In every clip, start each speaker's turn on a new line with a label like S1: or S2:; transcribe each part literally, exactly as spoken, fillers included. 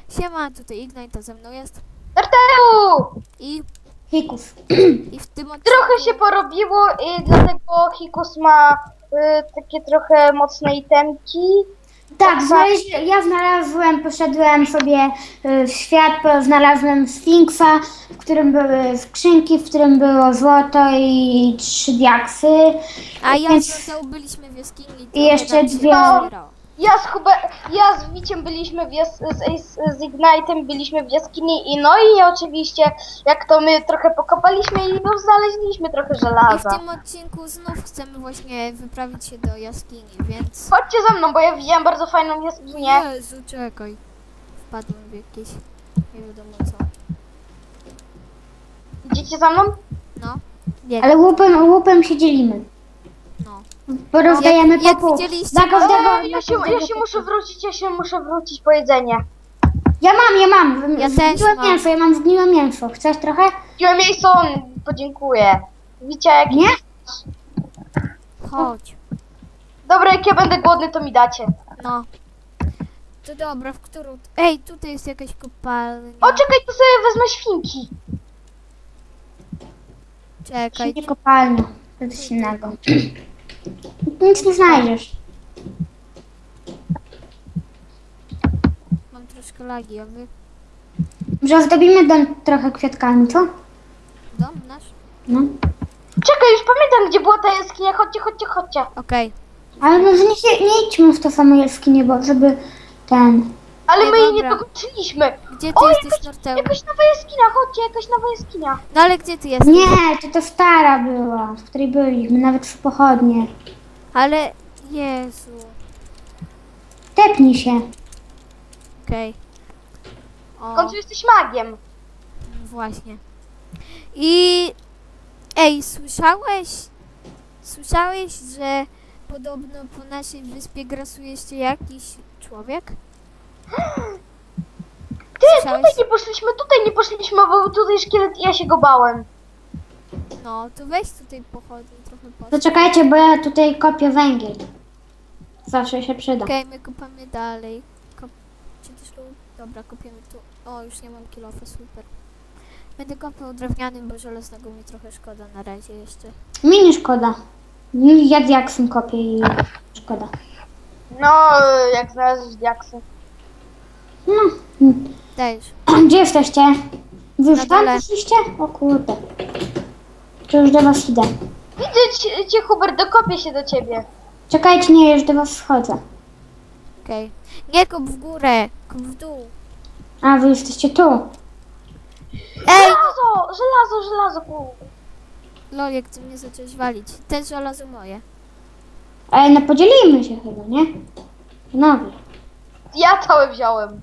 S1: Siema, tutaj Ignite, to ze mną jest.
S2: Tarteu!
S1: I,
S3: Hikus.
S1: i w tym odcinku...
S2: Trochę się porobiło i dlatego Hikus ma y, takie trochę mocne itemki.
S3: Tak, znaleźli, ja znalazłem, poszedłem sobie y, w świat, bo znalazłem Sfinksa, w którym były skrzynki, w którym było złoto i trzy diaksy.
S1: A ja
S3: Więc-
S1: z Mateusz byliśmy w jaskini.
S3: I jeszcze
S1: trochę nam się
S3: dwie-
S1: pozbierało.
S2: Ja z, Hube, ja z Wiciem byliśmy w jas, z, z, z Ignite'em byliśmy w jaskini i no i oczywiście jak to my trochę pokopaliśmy i no znaleźliśmy trochę
S1: I w
S2: żelaza.
S1: tym odcinku znów chcemy właśnie wyprawić się do jaskini, więc...
S2: Chodźcie za mną, bo ja widziałem bardzo fajną jaskinię.
S1: Jezu, czekaj. Wpadłem w jakieś... nie wiadomo co.
S2: Idziecie za mną?
S1: No. Nie,
S3: Ale łupem, łupem się dzielimy.
S1: no.
S3: Bo rozdajemy
S1: Jak- jak
S3: po pół.
S1: widzieliście,
S3: Dla każdego,
S2: Ej,
S3: dla
S2: ja, się, ja
S3: każdego
S2: się
S3: po
S2: muszę
S3: pół.
S2: wrócić, ja się muszę wrócić po jedzenie.
S3: Ja mam, ja mam.
S1: Ja
S3: Zgniłe
S1: też mam.
S3: mięso, ja mam zgniłe mięso. Chcesz trochę?
S2: Wziąłem miejsce, podziękuję. Widzicie jak...
S3: Nie?
S1: Chodź.
S2: Dobra, jak ja będę głodny, to mi dacie.
S1: No. To dobra, w którą... Ej, tutaj jest jakaś kopalnia.
S2: O, czekaj, to sobie wezmę świnki.
S1: Czekaj.
S3: Nie kopalnia. To coś innego. Nic nie znajdziesz.
S1: Mam troszkę lagi, a wy...
S3: Może ozdobimy dom trochę kwiatkami, co?
S1: Dom nasz?
S3: No.
S2: Czekaj, już pamiętam, gdzie była ta jaskinia. Chodźcie, chodźcie, chodźcie.
S1: Okej.
S3: Ale może nie, się- nie idźmy w to samo jaskinie, bo żeby ten...
S2: Ale
S1: Ej,
S2: my jej nie
S1: dobra.
S2: dokończyliśmy.
S1: Gdzie ty
S2: O,
S1: jesteś,
S2: jakaś,
S1: Norteu?
S2: jakaś nowa jaskinia, chodźcie, jakaś nowa jaskinia.
S1: No ale gdzie ty jesteś?
S3: Nie, to to stara była, w której byliśmy, nawet przy pochodnie.
S1: Ale... Jezu.
S3: Tepnij się.
S1: Okej. O,
S2: W końcu jesteś magiem.
S1: właśnie. I... Ej, słyszałeś? Słyszałeś, że podobno po naszej wyspie grasuje jeszcze jakiś człowiek?
S2: Ty,
S1: Słyszałeś?
S2: tutaj nie poszliśmy, tutaj nie poszliśmy, bo tutaj szkielet i ja się go bałem.
S1: No, to weź tutaj pochodnie trochę po.
S3: To czekajcie, bo ja tutaj kopię węgiel. Zawsze się przyda.
S1: Okej, my kopamy dalej. Kop... Czy też tu? Dobra, kopiemy tu. O, już nie mam kilofa, super. Będę kopał drewnianym, bo żelaznego mi trochę szkoda na razie jeszcze.
S3: Mi nie szkoda. Mi- Ja diaksem kopię i szkoda.
S2: No, jak znalazłeś diaksy.
S3: No.
S1: Dajesz.
S3: Gdzie jesteście? Wy już
S1: Na
S3: tam
S1: dole.
S3: poszliście? O kurde. To już do was idę.
S2: Widzę cię, cię, Hubert, dokopię się do ciebie.
S3: Czekajcie, nie, już do was wchodzę.
S1: Okej. Nie kop w górę, kop w dół.
S3: A, wy jesteście tu.
S1: Ej!
S2: Żelazo, żelazo, żelazo. ku.
S1: Lol, jak ty mnie zacząłeś walić. Te żelazo moje.
S3: Ej, no podzielimy się chyba, nie? Panowie.
S2: Ja całe wziąłem.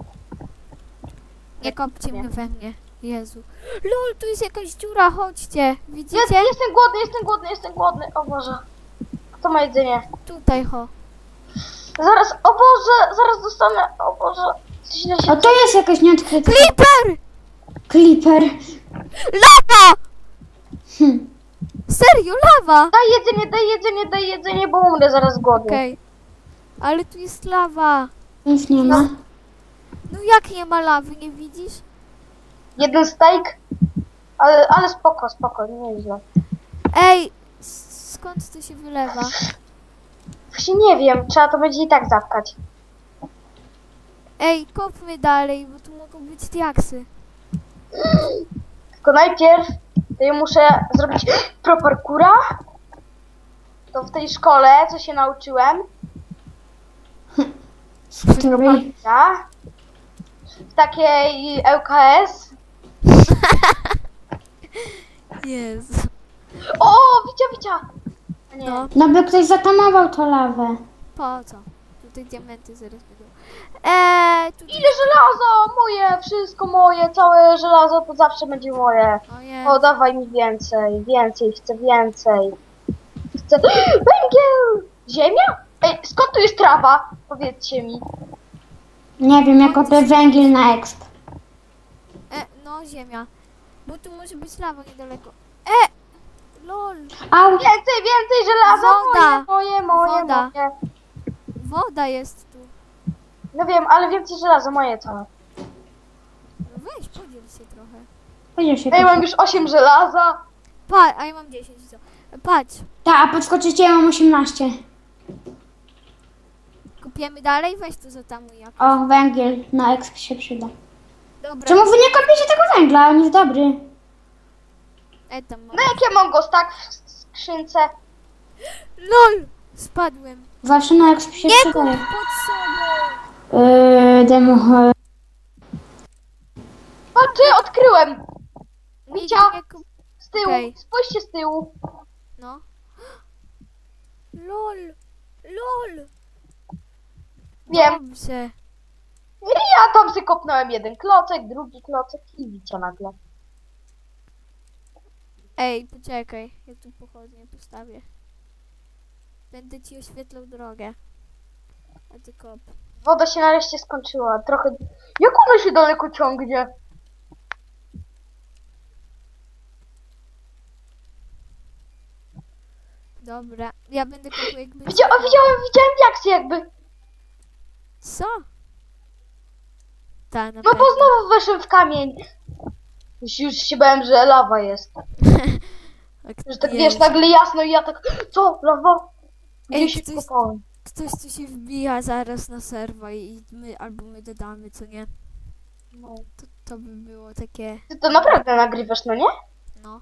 S1: Nie kopcie mnie we mnie. Jezu. Lol, tu jest jakaś dziura, chodźcie.
S2: Ja,
S1: Widzicie?
S2: jestem głodny, jestem głodny, jestem głodny. O Boże. Kto ma jedzenie?
S1: Tutaj, ho.
S2: Zaraz, o Boże, zaraz dostanę, o Boże. Źle się...
S3: O, to jest jakaś nieodkryta...
S1: Creeper!
S3: Creeper.
S1: Lawa!
S3: Hm.
S1: Serio, lawa!
S2: Daj jedzenie, daj jedzenie, daj jedzenie, bo umrę zaraz z głodu.
S1: Okej. Ale tu jest lawa.
S3: Nic nie ma.
S1: No jak nie ma lawy, nie widzisz?
S2: Jeden steak, ale, ale spoko, spoko, nie źle.
S1: Ej, s- skąd to się wylewa?
S2: Właśnie nie wiem, trzeba to będzie i tak zatkać.
S1: Ej, kopmy dalej, bo tu mogą być diaksy.
S2: Tylko najpierw to ja muszę zrobić pro parkoura. To w tej szkole, co się nauczyłem.
S3: Z której...
S2: Ja, w takiej L K S.
S1: Jezu.
S2: O, widzia, widzia. A nie.
S1: No,
S3: No by ktoś zatamował tą lawę.
S1: po co? Tutaj diamenty zaraz będą. Eee, tutaj...
S2: Ile żelazo? Moje, wszystko moje, całe żelazo to zawsze będzie moje.
S1: O Jezu.
S2: O, dawaj mi więcej, więcej, chcę więcej. Chcę... Węgiel! Ziemia? Ej, skąd tu jest trawa? Powiedzcie mi.
S3: Nie wiem, jak kopię węgiel na exp.
S1: E, no, ziemia. Bo tu może być lawa niedaleko. E! Lol.
S2: Więcej,
S3: Au!
S2: więcej żelaza!
S1: Woda.
S2: Moje, moje, moje,
S1: Woda.
S2: moje.
S1: Woda jest tu.
S2: No wiem, ale więcej żelaza, moje całe.
S1: się trochę.
S3: Podziel się.
S2: Ja mam już osiem żelaza.
S1: Pa, a ja mam dziesięć, co? Patrz,
S3: Tak, a podskoczycie, ja mam osiemnaście.
S1: kopiemy dalej? Weź to zatamuj jak.
S3: O, węgiel na exp się przyda.
S1: Dobra.
S3: Czemu wy nie kopiecie tego węgla? On jest dobry.
S1: E, tam mam.
S2: No jak ja mam go tak w skrzynce?
S1: LOL! Spadłem.
S3: Zawsze na exp się
S1: Nie kup
S3: przydaje.
S1: pod sobą!
S3: Yy, demo...
S2: O, ty, odkryłem!
S1: Nigdy
S2: Wicia.
S1: nie kup...
S2: Z tyłu,
S1: Okej.
S2: spójrzcie z tyłu.
S1: No. LOL! LOL!
S2: Wiem.
S1: Dobrze.
S2: I ja tam sobie kopnąłem jeden klocek, drugi klocek i wicia nagle.
S1: Ej, poczekaj. Ja tu pochodnie postawię. Będę ci oświetlał drogę. A ty kop.
S2: Woda się nareszcie skończyła. Trochę... Jak ona się daleko ciągnie?
S1: Dobra. Ja będę kopał jakby...
S2: Widzia... O, widziałem, widziałem diaksy jakby.
S1: Co? Ta, na
S2: No
S1: pewno.
S2: bo znowu weszłem w kamień. Już, już się bałem, że lawa jest. Że tak wiesz,
S1: Jest.
S2: nagle jasno i ja tak... Co? Lawa? Gdzie
S1: Ej,
S2: się
S1: ktoś-
S2: kopałem?
S1: Ktoś tu się wbija zaraz na serwa i my albo my dodamy, co nie?
S2: No.
S1: To, to by było takie,
S2: Ty to naprawdę nagrywasz, no nie?
S1: no.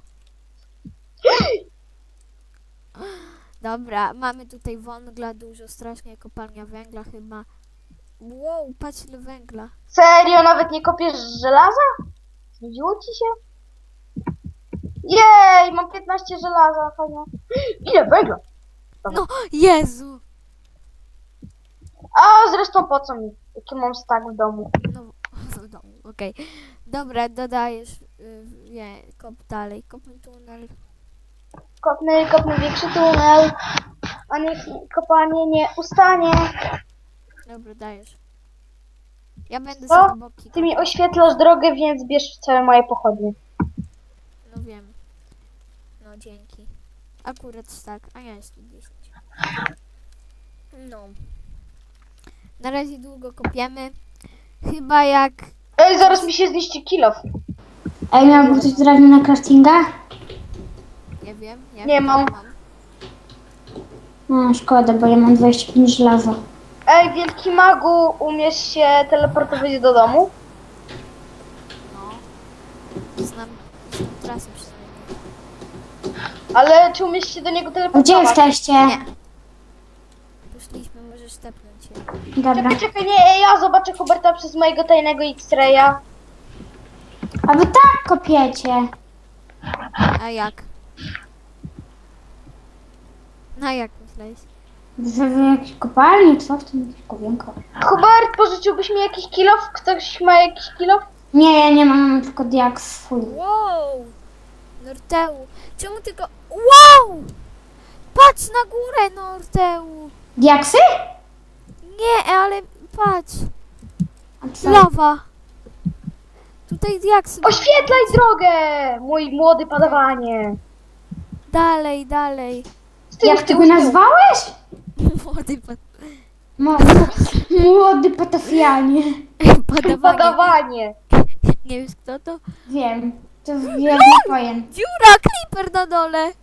S1: Dobra, mamy tutaj węgla dużo, strasznie kopalnia węgla chyba. Wow, patrz ile węgla.
S2: Serio? Nawet nie kopiesz żelaza? Znudziło ci się? Jej, mam piętnaście żelaza, fajnie. Ile węgla?
S1: No, Jezu!
S2: A zresztą po co mi? Jaki mam stak w domu?
S1: No, w domu, okej. Dobra, dodajesz, y, nie, kop dalej, kopmy tunel.
S2: Kopny, kopny większy tunel. A niech kopanie nie ustanie.
S1: Dobra, dajesz. Ja będę
S2: Co?
S1: za boki.
S2: Ty mi
S1: kopał.
S2: oświetlasz drogę, więc bierz całe moje pochodnie.
S1: No wiem. No dzięki. Akurat tak, a ja jest tu dziesięć. No. Na razie długo kopiemy. Chyba jak...
S2: Ej, zaraz mi się zniszczy kilof.
S3: Ej, miałby ktoś drewno na craftinga?
S1: Nie wiem. Jak
S2: Nie mam.
S3: No, szkoda, bo ja mam dwadzieścia pięć żelaza.
S2: Ej, wielki magu, umiesz się teleportować do domu?
S1: No. Znam, znam trasę przynajmniej.
S2: Ale czy umiesz się do niego
S3: Gdzie
S2: teleportować?
S3: jesteście?
S1: Nie. Poszliśmy, możesz tepnąć się.
S3: Dobra.
S2: Czekaj, czekaj, nie, ja zobaczę Huberta przez mojego tajnego X-raya.
S3: A wy tak kopiecie.
S1: A jak? No jak myślałeś?
S3: W, w jakiejś kopalni, co? W tym kowienko.
S2: Hubert, pożyczyłbyś mi jakiś kilof? Ktoś ma jakiś kilof?
S3: Nie, ja nie mam, mam tylko diaks swój.
S1: Wow! Norteu. Czemu tylko... Wow! Patrz na górę, Norteu!
S3: Diaksy?
S1: Nie, ale patrz.
S3: A co?
S1: Lawa. Tutaj diaksy.
S2: Oświetlaj drogę, mój młody padawanie.
S1: Dalej, dalej.
S2: Z tyłu,
S3: Jak
S2: z
S3: ty
S2: tyłu,
S3: go
S2: z tyłu.
S3: nazwałeś?
S1: Młody pad...
S3: Mo- młody patafianie.
S1: padawanie.
S2: Padawanie.
S1: Nie wiesz kto to?
S3: Wiem. To wielki pojem.
S1: Dziura, creeper na dole.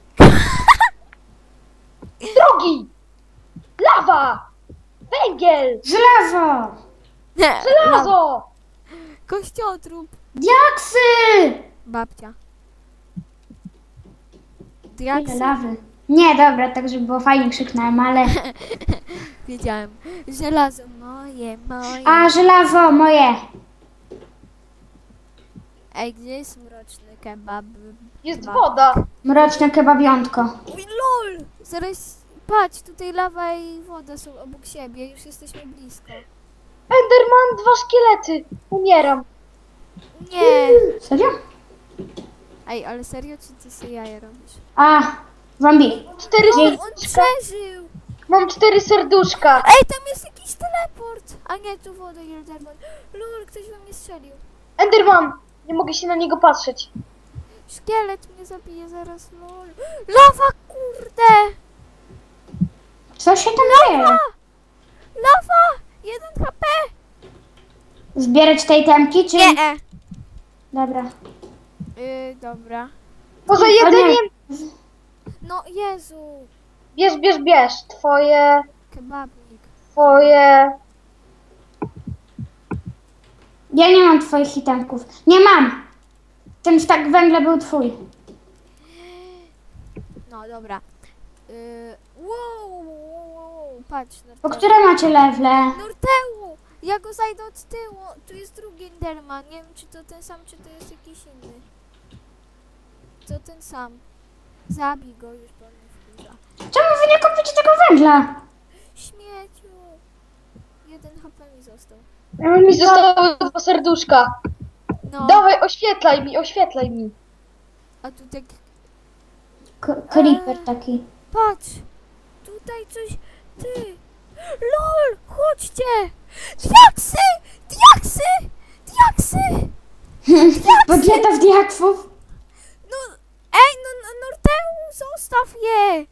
S2: Drogi! Lawa! Węgiel!
S3: Żelazo!
S1: Nie, lawa.
S2: Żelazo!
S1: Kościotrup.
S3: Diaksy!
S1: Babcia.
S3: Ile
S1: Diaksy.
S3: lawy. Nie, dobra, tak żeby było fajnie krzyknąłem, ale...
S1: Wiedziałem. Żelazo moje, moje.
S3: A, żelazo moje!
S1: Ej, gdzie jest mroczny kebab?
S2: Jest
S1: Kebab.
S2: woda.
S3: Mroczne kebabiątko.
S1: Uj, lol! Zaraz, patrz, tutaj lawa i woda są obok siebie, już jesteśmy blisko.
S2: Enderman, dwa szkielety. Umieram.
S1: Nie!
S3: Serio?
S1: Ej, ale serio, czy ty sobie jaja robisz?
S3: A, zombie.
S2: Cztery
S3: Jej.
S1: On
S2: serduszka.
S1: przeżył!
S2: Mam cztery serduszka.
S1: Ej, tam jest jakiś teleport! A nie, tu woda i Enderman. Lol, ktoś we mnie strzelił.
S2: Enderman! Nie mogę się na niego patrzeć.
S1: Szkielet mnie zabije zaraz, lol. Lawa, kurde!
S3: Co się tam dzieje?
S1: Lawa! Jeden H P!
S3: Zbierać tej temki, czy...
S1: Nie! e.
S3: Dobra.
S1: Yy, dobra.
S2: Poza
S3: nie.
S2: jedzeniem,
S1: No Jezu,
S2: bierz, bierz, bierz. Twoje,
S1: kebabnik.
S2: twoje...
S3: Ja nie mam twoich itemków. Nie mam! Ten stak węgla był twój.
S1: No dobra. Yy, wow, wow, wow, wow, patrz.
S3: Po
S1: Norteu.
S3: które macie lewle?
S1: Norteu! Ja go zajdę od tyłu. Tu jest drugi Enderman. Nie wiem, czy to ten sam, czy to jest jakiś inny. To ten sam. Zabij go już, bo on mnie wkurza.
S3: Czemu wy nie kupicie tego węgla?
S1: Śmieciu. Jeden H P mi został.
S2: Mi zostały dwa serduszka.
S1: No,
S2: Dawaj, oświetlaj mi, oświetlaj mi.
S1: a tu tak...
S3: K- creeper taki.
S1: Patrz! Tutaj coś... Ty! LOL! Chodźcie! Diaksy! Diaksy! Diaksy!
S3: Podleta w diaksów.
S1: No... Ej, no, no Norteu! Zostaw je!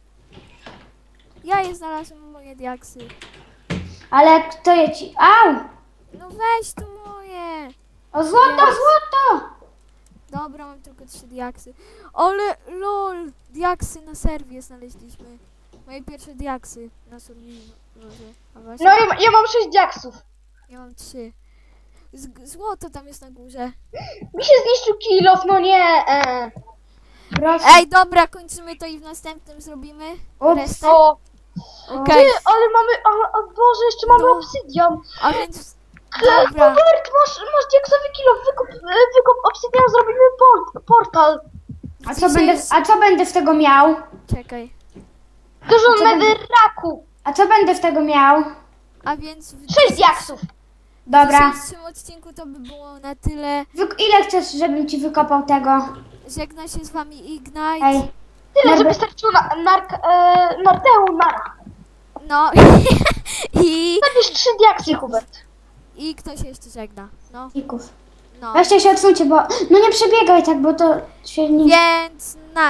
S1: Ja je znalazłem, moje diaksy.
S3: Ale kto je ci... Au!
S1: No weź tu moje!
S3: O złoto,
S1: Jest.
S3: złoto!
S1: Dobra, mam tylko trzy diaksy. Ale lol! Diaksy na serwie znaleźliśmy. Moje pierwsze diaksy na serwerze. A właśnie,
S2: No ja, ja mam sześć diaksów.
S1: ja mam trzy. Z złoto tam jest na górze.
S2: Mi się zniszczył kilof, no nie. E.
S3: Proszę.
S1: Ej, dobra, kończymy to i w następnym zrobimy
S3: Ups.
S1: resztę.
S2: O,
S1: Okej,
S2: ty, ale mamy, a, a Boże, jeszcze mamy
S1: No.
S2: obsydian.
S1: a więc... Dobra,
S2: Hubert, masz, masz diaksowy kilof, wykup, e, wykup obsydian, zrobimy port, portal.
S3: A co, będę, a co będę z tego miał?
S1: czekaj.
S2: Dużo
S3: A co będzie?
S2: netherraku.
S3: A co będę z tego miał?
S1: A więc w
S2: Sześć diaksów.
S3: Dobra.
S1: W dzisiejszym odcinku to by było na tyle.
S3: Wy- ile chcesz, żebym ci wykopał tego?
S1: Żegna się z wami Ignite.
S3: Ej.
S2: Tyle,
S3: Dobra.
S2: żeby starczyło na, nark, e, Norteu, nara.
S1: No i...
S2: Zabierz trzy diaksy, Hubert.
S1: I ktoś jeszcze żegna. No,
S3: Fików.
S1: no.
S3: Weźcie się odsuńcie, bo... No nie przebiegaj tak, bo to się nie...
S1: Więc na